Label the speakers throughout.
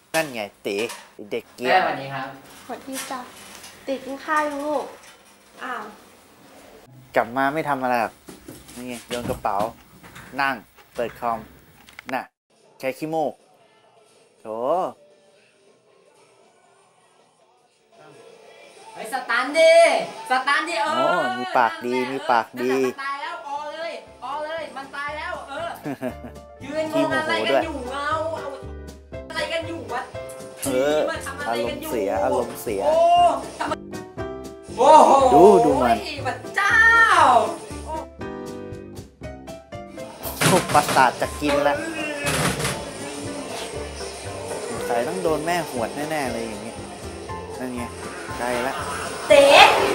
Speaker 1: นั่นไงตีเด็กเกีย
Speaker 2: แม่
Speaker 1: ร์
Speaker 2: สวัสดีครับ
Speaker 3: สวัสดีจ้ะติดกินข้าวยังลูกอ้าว
Speaker 1: กลับมาไม่ทำอะไรหรอกนี่ไงโยนกระเป๋า นั่ง เปิดคอม น่ะใช้ขี้มูกโถ
Speaker 2: เฮ้ยสตันดิสตันดิ
Speaker 1: โอ้มีปากดีมีปากดี
Speaker 2: มันตายแล้วออเลยมันตายแล้วยืนงงอะไรกันอยู่เอาอะไรกันอยู่วะ
Speaker 1: อารมณ์เสียอารมณ์เสีย
Speaker 2: โอ้โห
Speaker 1: ดูมัน
Speaker 2: พระเจ้า
Speaker 1: โอ้ประสาทจะกินละสงสัยต้องโดนแม่หวดแน่ๆเลยอย่างนี้นั่นไงใกล้ละ
Speaker 3: เต๋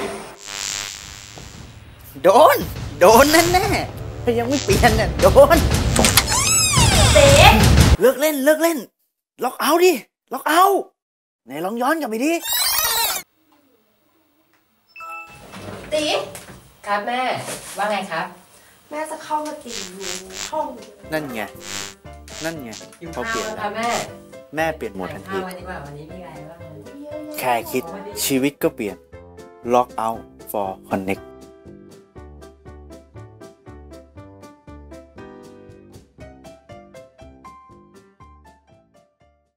Speaker 1: โดนแน่ๆถ้ายังไม่เปลี่ยนเนี่ยโดน
Speaker 3: เต๋
Speaker 1: เลิกเล่นล็อกเอาท์ดิล็อกเอาท์ไหนลองย้อนกลับไปดิ
Speaker 3: ตี
Speaker 2: ครับแม่ว่าไงครับ
Speaker 3: แม่จะเข้ามาตีอยู่ห้อง
Speaker 1: นั่นไง
Speaker 2: อยู่
Speaker 1: เขา
Speaker 2: ข้า
Speaker 1: เป
Speaker 2: ว
Speaker 1: ลี่ยน
Speaker 2: แล้วครับแม่
Speaker 1: แม่เปลี่ยนโหมดทันที
Speaker 2: ข้าววันดีกว่าวันนี้มีอะไรบ้าง
Speaker 1: แค่คิดชีวิตก็เปลี่ยน ล็อกเอาท์ for connect